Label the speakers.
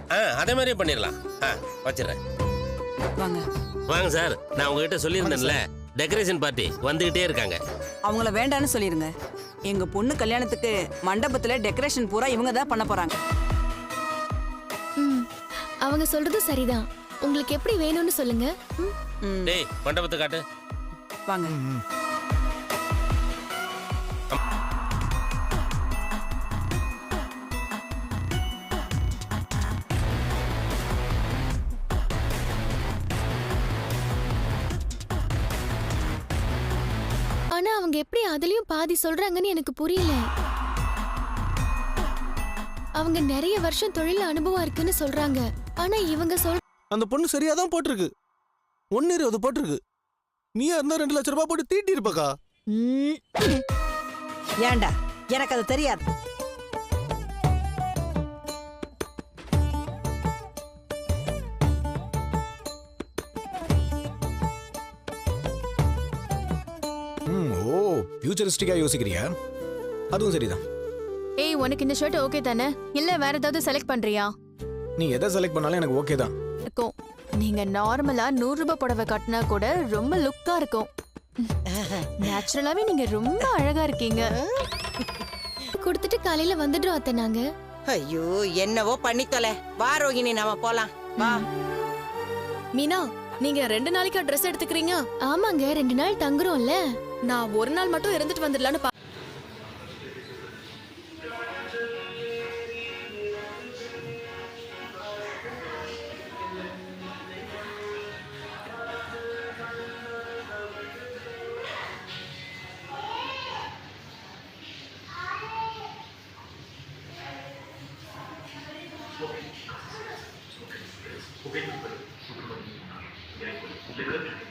Speaker 1: அதே மாதிரியே பண்ணிடலாம். வச்சிடறேன்.
Speaker 2: வாங்க
Speaker 1: வாங்க சார். நான் உங்ககிட்ட சொல்லியிருந்தேன்ல, டெக்கரேஷன் பார்ட்டி வந்துகிட்டே இருக்காங்க.
Speaker 2: அவங்கள வேண்டான்னு சொல்லிருங்க. எங்க பொண்ணு கல்யாணத்துக்கு மண்டபத்துல டெக்கரேஷன் பூரா இவங்க தான் பண்ண போறாங்க.
Speaker 3: அவங்க சொல்றது சரிதான். உங்களுக்கு எப்படி வேணும்னு சொல்லுங்க.
Speaker 1: டேய் மண்டபத்தை காட்டு.
Speaker 2: வாங்க.
Speaker 3: ஆனா அவங்க எப்படி அதுலயும் பாதி சொல்றாங்கன்னு எனக்கு புரியல. அவங்க நிறைய வருஷம் தொழில் அனுபவம் இருக்குன்னு சொல்றாங்க. ஆனா இவங்க
Speaker 4: அந்த பொண்ணு சரியாதான் போட்டிருக்கு. 1.20 போட்டிருக்கு. நீயா இருந்தா 2 லட்சம் ரூபாய் போட்டு தீட்டி இருப்பக்கா.
Speaker 5: ஏண்டா எனக்கு அது தெரியாது.
Speaker 6: ஓ ஃபியூச்சரிஸ்டிக்கா யோசிக்கிறியா? அதுவும் சரிதான்.
Speaker 3: ஏய், உனக்கு இந்த ஷர்ட் ஓகே தானே? இல்ல வேற ஏதாவது செலக்ட் பண்றியா?
Speaker 6: நீ எதை செலக்ட் பண்ணாலும் எனக்கு ஓகே தான்.
Speaker 3: இருக்கும். நீங்க நார்மலா 100 ரூபாய் புடவை கட்டினா கூட ரொம்ப லுக்கா இருக்கும். நேச்சுரலாவே நீங்க ரொம்ப அழகா இருக்கீங்க. கொடுத்துட்டு காலையில வந்துடுறோம் அத்தை நாங்க.
Speaker 5: ஐயோ என்னவோ பண்ணி தொலை. வா ரோகிணி, நாம போலாம். வா.
Speaker 7: மீனா, நீங்க 2 நாளைக்கா ட்ரெஸ் எடுத்துக்கிறீங்க?
Speaker 3: ஆமாங்க, 2 நாள் தங்குறோம்ல.
Speaker 7: நான் 1 நாள் மட்டும் இருந்துட்டு வந்துடலான்னு
Speaker 8: Okay.